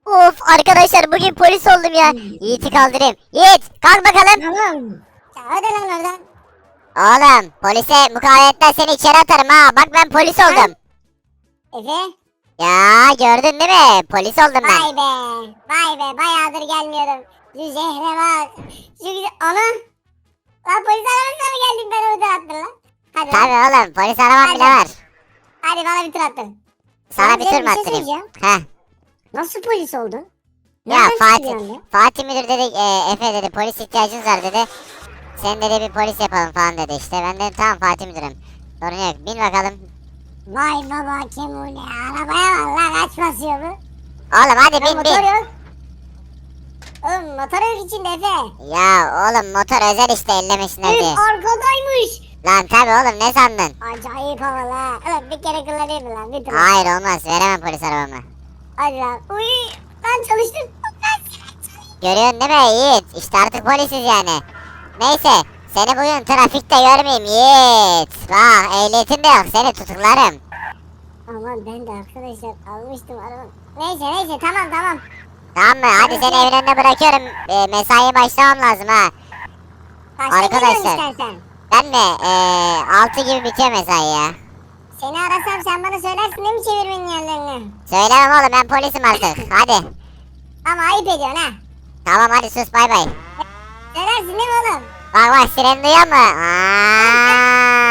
Of arkadaşlar bugün polis oldum ya. Yiğit'i kaldırayım. Yiğit kalk bakalım. Tamam. Ya hadi lan oradan. Oğlum polise mukavemetten seni içeri atarım ha. Bak ben polis oldum. Efe. Ya gördün değil mi? Polis oldum ben. Vay be. Vay be. Bayağıdır gelmiyordum. Şu şehre bak. Şu güzel. Ana. Lan polis arabasına mı geldim ben o tur attın lan? Hadi Tabii lan. oğlum polis arabam bile var. Hadi bana bir tur attın. Sana bir Size tur mu bir şey attırayım? söyleyeceğim. Heh. Nasıl polis oldun? Ya Nereden Fatih, çıktı yani? Fatih müdür dedi Efe dedi polis ihtiyacınız var dedi. Sen dedi bir polis yapalım falan dedi işte. Ben dedim tamam Fatih müdürüm. Sorun yok bin bakalım. Vay baba Kemune. Arabaya var lan kaç basıyor bu? Oğlum hadi Ya bin motor bin. yok. Oğlum motor yok içinde Efe. Ya oğlum motor özel işte ellemesinler Üf diye. arkadaymış. Lan tabi oğlum ne sandın? Acayip havalı. Oğlum bir kere kullanayım mı lan? Bir tur. Hayır olmaz veremem polis arabamı. Hadi lan. Uy. Lan çalıştım. Görüyorsun değil mi Yiğit? İşte artık polisiz yani. Neyse seni bugün trafikte görmeyeyim Yiğit. Bak ehliyetin de yok seni tutuklarım. Aman ben de arkadaşlar almıştım arabamı. Neyse tamam. Tamam mı? Hadi seni evin önüne bırakıyorum. Mesaiye başlamam lazım ha. Kaçta Arkadaşlar. geliyorsun istersen? Ben mi? 6 gibi bitiyor mesai ya. Seni arasam sen bana söylersin değil mi çevirmenin yerlerini? Söylemem oğlum ben polisim artık. Hadi. Ama ayıp ediyorsun ha. Tamam hadi sus bay bay. Söylersin değil mi oğlum? Bak bak siren duyuyor mu? Aa!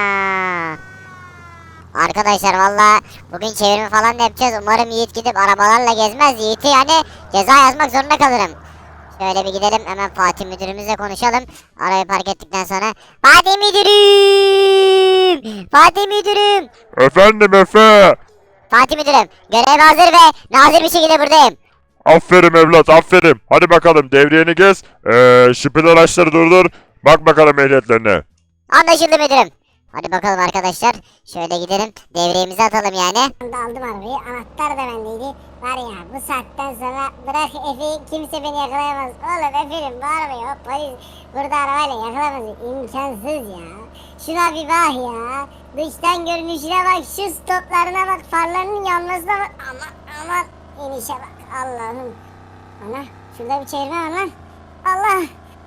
Arkadaşlar valla bugün çevirme falan da yapacağız. Umarım Yiğit gidip arabalarla gezmez. Yiğit'i yani ceza yazmak zorunda kalırım. Şöyle bir gidelim hemen Fatih müdürümüzle konuşalım. Arabayı park ettikten sonra. Fatih müdürüm! Fatih müdürüm! Efendim Efe. Fatih müdürüm görev hazır ve nazır bir şekilde buradayım. Aferin evlat aferin. Hadi bakalım devriyeni gez. Şüpheli araçları durdur. Bak bakalım ehliyetlerine. Anlaşıldı müdürüm. Hadi bakalım arkadaşlar. Şöyle gidelim. Devreyemizi atalım yani. Ben de aldım arabayı. Anahtar da bendeydi. Var ya bu saatten sonra bırak Efe'yi kimse beni yakalayamaz. Oğlum Efe'nin bu arabayı hop polis burada arabayla yakalamaz. İmkansız ya. Şuna bir bak ya. Dıştan görünüşüne bak. Şu stoplarına bak. Farlarının yanmasına bak. Aman inişe bak. Allah'ım. Ana şurada bir çevirme var lan. Allah.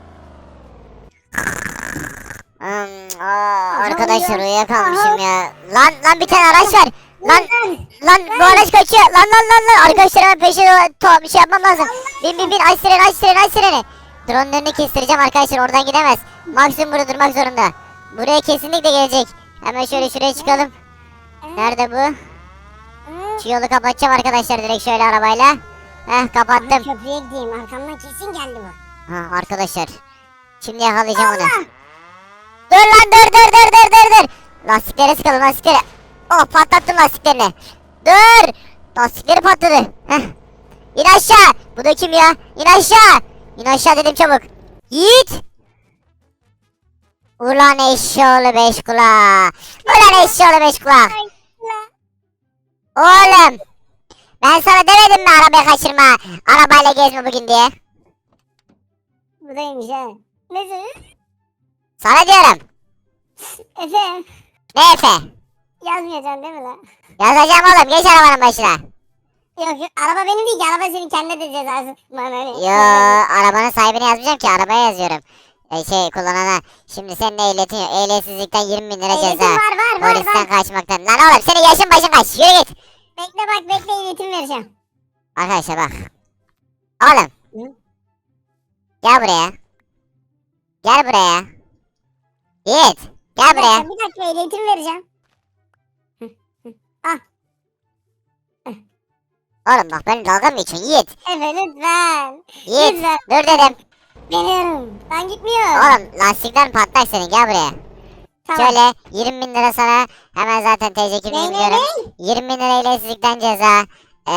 Arkadaşlar uyuyakalmışım ya. Lan bir tane araç var. Lan bu araç kaçıyor. Lan. Arkadaşlar hemen peşine bir şey yapmam lazım. Bin aç sireni. Drone'un önünü kestireceğim arkadaşlar oradan gidemez. Maksimum burada durmak zorunda. Buraya kesinlikle gelecek. Hemen şöyle şuraya çıkalım. Nerede bu? Şu yolu kapatacağım arkadaşlar direkt şöyle arabayla. Kapattım. Köprüye gideyim. Arkamdan kesin geldi bu. Arkadaşlar. Şimdi yakalayacağım onu. Dur lan dur. Lastiklere sıkalım lastiklere. Oh patlattım lastiklerini. Dur. Lastikleri patladı. Heh. İn aşağı. Bu da kim ya? İn aşağı. İn aşağı dedim çabuk. Yiğit. Ulan eşşoğlu beş kulağı. Oğlum. Ben sana demedim mi arabayı kaçırma. Arabayla gezme bugün diye. Buradaymış ha. Neyse. Sana diyorum. Efe. Ne Efe? Yazmayacaksın değil mi lan? Yazacağım oğlum geç arabanın başına. Yok araba benim değil ki. Araba senin kendine de cezası. Bana ne? Yo arabanın sahibine yazmayacağım ki arabaya yazıyorum. Kullanana. Şimdi senin ehliyetin yok. Ehliyetsizlikten 20 bin lira Ehliyetim ceza. var. Polisten kaçmaktan. Lan oğlum senin yaşın başın kaç. Yürü git. Bekle ehliyetim vereceğim. Arkadaşlar bak. Oğlum. Hı? Gel buraya. Yiğit. Gel buraya. Bir dakika ehliyetim vereceğim. Ah Oğlum bak benim dalga mı geçiyorsun Yiğit? Efe lütfen. Yiğit. Lütfen. Dur dedim. Geliyorum. Ben gitmiyorum. Oğlum lastikler patlak senin gel buraya. Tamam. Şöyle 20 bin lira sana hemen zaten TC kimliğini Ne? biliyorum. 20 bin lira ehliyetsizlikten ceza.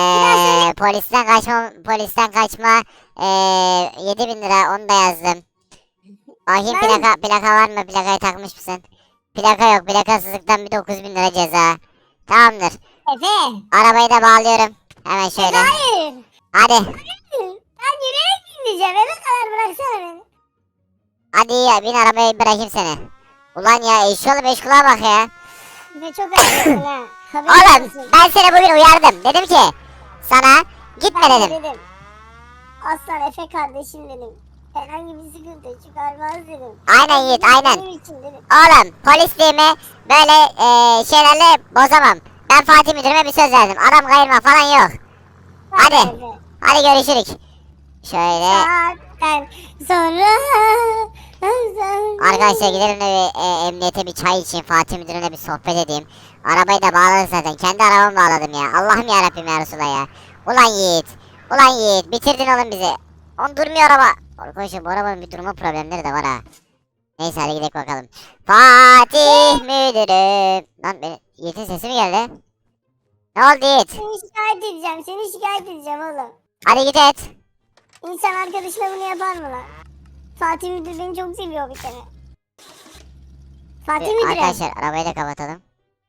Polisten kaçma 7 bin lira onu da yazdım. Bakayım plaka var mı? Plakayı takmış mısın? Plaka yok. Plakasızlıktan bir 9 bin lira ceza. Tamamdır. Efe. Arabayı da bağlıyorum. Hemen şöyle. Hayır. Hadi. Ben yürüyerek gideceğim. Eve kadar bıraksana beni. Hadi ya bin arabaya bırakayım seni. Ulan ya eşyalı beş kulağa bak ya. Efe çok acıyorsun ha. Haberin Oğlum olsun. ben seni bugün uyardım. Dedim ki sana Gitme Ben de dedim. dedim. Aslan Efe kardeşim dedim. Herhangi bir sıkıntı çıkarmaz dedim. Aynen Yiğit, aynen. Benim için dedim. Oğlum polisliğimi böyle şeylerle bozamam. Ben Fatih müdürüme bir söz verdim. Adam kayırma falan yok. Hadi. Efe. Hadi görüşürük. Şöyle. Saatten sonra. Arkadaşlar gidelim de bir emniyete bir çay içeyim. Fatih müdürüne bir sohbet edeyim. Arabayı da bağladık zaten. Kendi arabamı bağladım ya. Allah'ım yarabbim ya Resulallah ya. Ulan Yiğit. Ulan Yiğit. Bitirdin oğlum bizi. On durmuyor araba. Arkadaşlar bu arabanın bir durma problemleri de var ha. Neyse hadi gidelim bakalım. Fatih müdürüm. Lan benim Yiğit'in sesi mi geldi? Ne oldu Yiğit? Seni şikayet edeceğim. Seni şikayet edeceğim oğlum. Hadi git et. İnsan arkadaşına bunu yapar mı lan? Fatih Müdür beni çok seviyor bir kere. Fatih Müdür'üm. Arkadaşlar arabayı da kapatalım.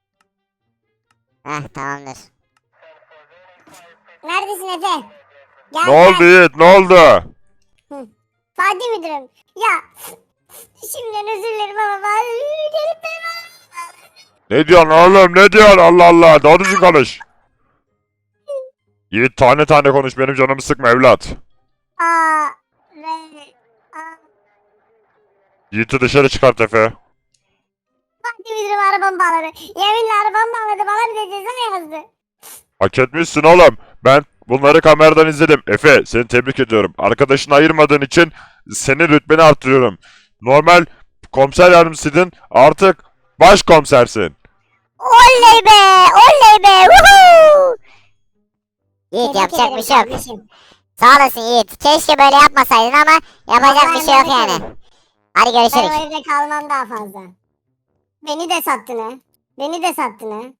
Heh tamamdır. Neredesin Efe? Gel Ne oldu Yiğit ne oldu? Fatih Müdürüm. Ya şimdiden özür dilerim ama ben gelip benim Ne diyorsun oğlum ne diyorsun Allah Allah doğru düzgün konuş. Yiğit tane tane konuş benim canımı sıkma evlat. Aa, re, aa. Yiğit'i dışarı çıkart Efe. Fatih Müdürüm arabamı bağladı. Yeminle arabamı bağladı. Bana bir de ceza yazdı. Hak etmişsin oğlum. Ben bunları kameradan izledim. Efe seni tebrik ediyorum. Arkadaşını ayırmadığın için senin rütbeni arttırıyorum. Normal komiser yardımcısıydın artık başkomisersin. Oley be! Oley be! Woohoo! Yiğit Tebrik yapacak bir ederim şey yok. kardeşim. Sağ olasın Yiğit. Keşke böyle yapmasaydın ama yapacak Vallahi bir şey yok merak yani. etme. Hadi Ben görüşürüz. o evde kalmam daha fazla. Beni de sattın ha. Beni de sattın ha.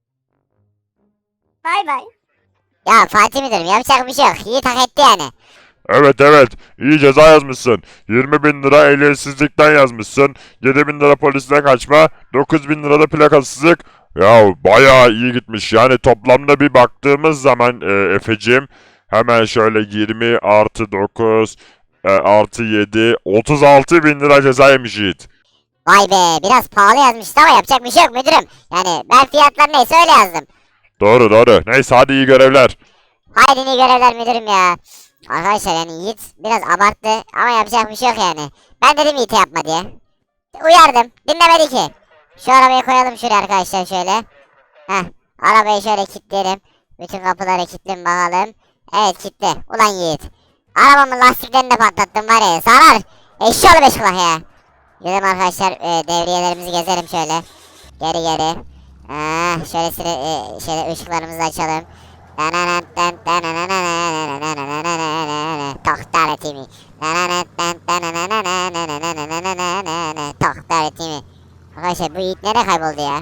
Bay bay. Ya Fatih müdürüm yapacak bir şey yok. Yiğit hak etti yani. Evet evet iyi ceza yazmışsın. 20.000 lira ehliyetsizlikten yazmışsın. 7.000 lira polisten kaçma. 9.000 lira da plakasızlık. Ya bayağı iyi gitmiş. Yani toplamda bir baktığımız zaman Efeciğim hemen şöyle 20 artı 9 artı 7 36.000 lira ceza yemiş Yiğit. Vay be biraz pahalı yazmıştı ama yapacak bir şey yok müdürüm. Yani ben fiyatlar neyse öyle yazdım. Doğru doğru. Neyse hadi iyi görevler. Haydi iyi görevler müdürüm ya. Arkadaşlar yani Yiğit biraz abarttı ama yapacak bir şey yok yani. Ben dedim Yiğit'e yapma diye. Uyardım. Dinlemedi ki. Şu arabayı koyalım şuraya arkadaşlar şöyle. Heh. Arabayı şöyle kilitleyelim. Bütün kapıları kilitleyin bakalım. Evet kilitli. Ulan Yiğit. Arabamın lastiklerini de patlattım var ya. Sarar. Eşşoğlu beş kulak ya. Gidelim arkadaşlar devriyelerimizi gezelim şöyle. Geri geri. Şöyle şöyle ışıklarımızı açalım. Tohtar etimi. Tohtar etimi. Arkadaşlar bu Yiğit nereye kayboldu ya?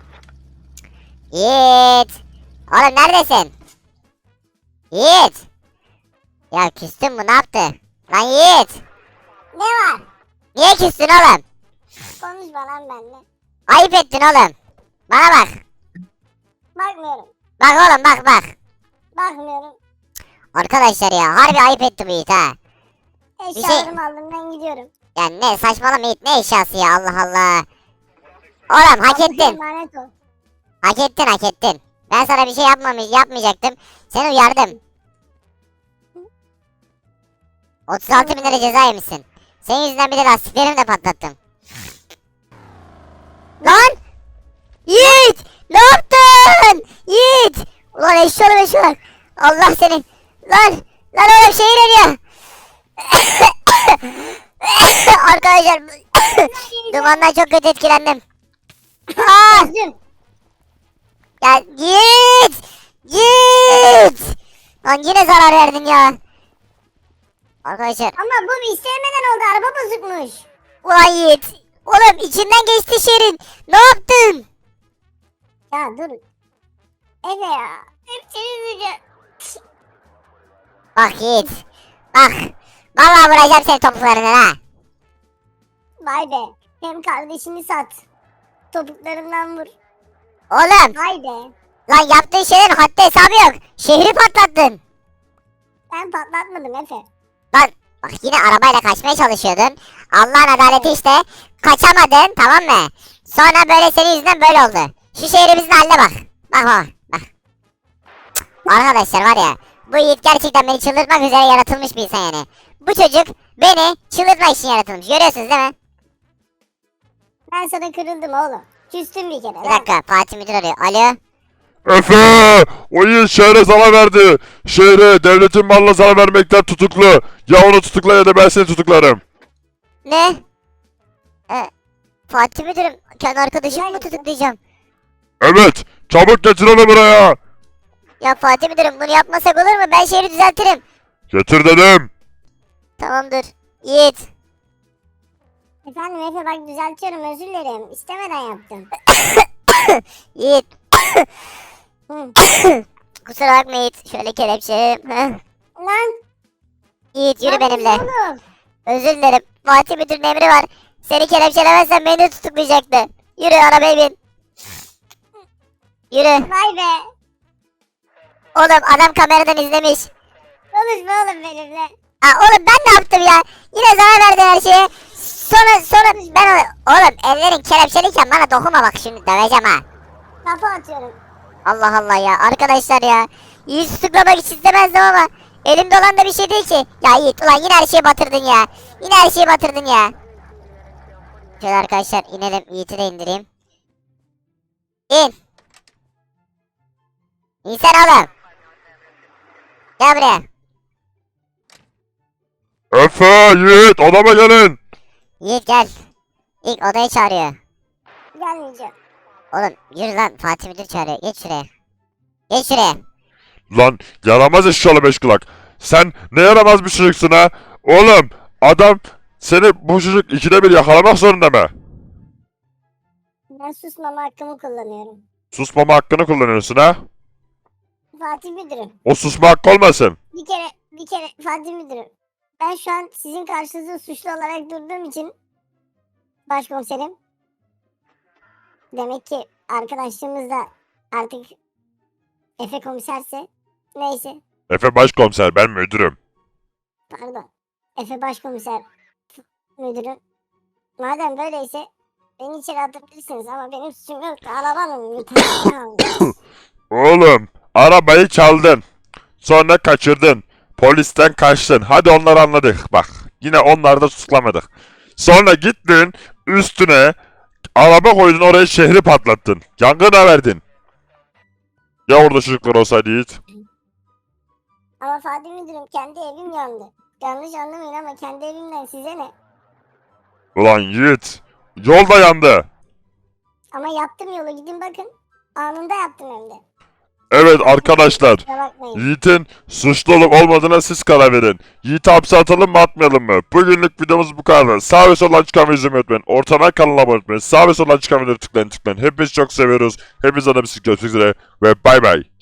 Yiğit. Oğlum neredesin? Yiğit. Ya küstün mü ne yaptı? Lan Yiğit. Ne var? Niye küstün oğlum? Konuşma lan benimle. Ayıp ettin oğlum. Bana bak. Bakmıyorum. Bak oğlum bak. Bakmıyorum. Arkadaşlar ya harbi ayıp etti bu Yiğit ha. Eşyalarımı aldım ben gidiyorum. Ya ne saçmalama Yiğit ne eşyası ya Allah Allah. Oğlum hak Allah'a ettin. emanet ol. Hak ettin. Ben sana bir şey yapmayacaktım. Seni uyardım. 36 bin lira ceza yemişsin. Senin yüzünden bir de lastiklerimi de patlattım. Lan! Yiğit! Ne yaptın? Yiğit! Ulan eşşoğlu. Allah seni. Lan oğlum şehir eriyor. Arkadaşlar dumandan çok kötü etkilendim. Aa! Gözüm. Ya git! Lan yine zarar verdin ya. Arkadaşlar Ama bu istemeden oldu. Araba bozukmuş. ulan Yiğit. Oğlum içinden geçti şehrin. Ne yaptın? Ya dur. Efe ya. Hep seni üzüleceğim. Bak Yiğit. Bak. Vallahi vuracağım seni topuklarından ha. Vay be. Hem kardeşini sat. Topuklarından vur. Oğlum Vay be. lan yaptığın şeylerin haddi hesabı yok. Şehri patlattın. Ben patlatmadım Efe. Lan bak yine arabayla kaçmaya çalışıyordun. Allah'ın adaleti işte. Kaçamadın tamam mı? Sonra böyle senin yüzünden böyle oldu. Şu şehrimizin haline bak. Bak. Cık, arkadaşlar var ya. bu Yiğit gerçekten beni çıldırtmak üzere yaratılmış bir insan yani. Bu çocuk beni çıldırtmak için yaratılmış. Görüyorsunuz değil mi? Ben sana kırıldım oğlum. Küstüm bir kere. Bir dakika, Fatih Müdür arıyor. Alo. Efe! O Yiğit şehre zarar verdi. Şehre devletin malına zarar vermekten tutuklu. Ya onu tutukla ya da ben seni tutuklarım. Ne? Fatih Müdürüm, kendi arkadaşımı mı tutuklayacağım? Evet, çabuk getir onu buraya. Ya Fatih Müdürüm, bunu yapmasak olur mu? Ben şehri düzeltirim. Getir dedim. Tamamdır. Yiğit. Efendim Efe bak düzeltiyorum özür dilerim. İstemeden yaptım. Yiğit. Hı. Kusura bakma Yiğit. Şöyle kelepçelerim. Lan. Yiğit yürü lan benimle. oğlum. Özür dilerim. Fatih Müdür'ün emri var. Seni kelepçelemezsen beni de tutuklayacaktı. Yürü arabaya bin. Yürü. Vay be. Oğlum adam kameradan izlemiş. Konuşma oğlum benimle. Oğlum ben ne yaptım ya? Yine zarar verdin her şeye. Sonra ben oğlum ellerin kelepçeliyken bana dokunma bak şimdi döveceğim ha. Kafa atıyorum. Allah Allah ya arkadaşlar ya. Yiğit tutuklamak hiç istemezdim ama elimde olan da bir şey değil ki. Ya Yiğit ulan yine her şeyi batırdın ya. Yine her şeyi batırdın ya. Şöyle arkadaşlar inelim, Yiğit'i de indireyim. İn. İnsene oğlum. Gel buraya. Efe, Yiğit, odama gelin. Yiğit gel. İlk odaya çağırıyor. Gelmeyeceğim. Oğlum yürü lan, Fatih Müdür çağırıyor. Geç şuraya. Geç şuraya. Lan yaramaz eşşoğlu beş kulak. Sen ne yaramaz bir çocuksun ha? Oğlum adam seni bu çocuk ikide bir yakalamak zorunda mı? Ben susmama hakkımı kullanıyorum. Susmama hakkını kullanıyorsun ha? Fatih Müdürüm. O susma hakkı olmasın. Bir kere Fatih Müdürüm. Ben şu an sizin karşınızda suçlu olarak durduğum için başkomiserim. Demek ki arkadaşlığımız da artık Efe komiserse neyse Efe başkomiser, ben müdürüm. pardon. Efe başkomiser müdürüm. Madem böyleyse beni içeri atabilirsiniz ama benim suçum yok. Arabanın lütfen. Oğlum arabayı çaldın. Sonra kaçırdın. Polisten kaçtın. Hadi onları anladık. Bak yine onları da tutuklamadık. Sonra gittin üstüne araba koydun, oraya şehri patlattın. Yangına verdin. Ya orada çocuklar olsaydı Yiğit? Ama Fatih Müdürüm kendi evim yandı. Yanlış anlamayın ama kendi evimden size ne? Ulan Yiğit. Yolda yandı. Ama yaptım yolu gidin bakın. Anında yaptım hem de. Evet arkadaşlar. Kusura bakmayın. Yiğit'in suçlu olup olmadığına siz karar verin. Yiğit'i hapse atalım mı atmayalım mı? Bugünlük videomuz bu kadar. Sağ ve soldan çıkan videoyu izlemeyi unutmayın. Ortadan kanala abone olmayı, sağ ve soldan çıkan videoları tıklayın. Hepinizi çok seviyoruz. Hepinize de bir görüşmek üzere ve bay bay.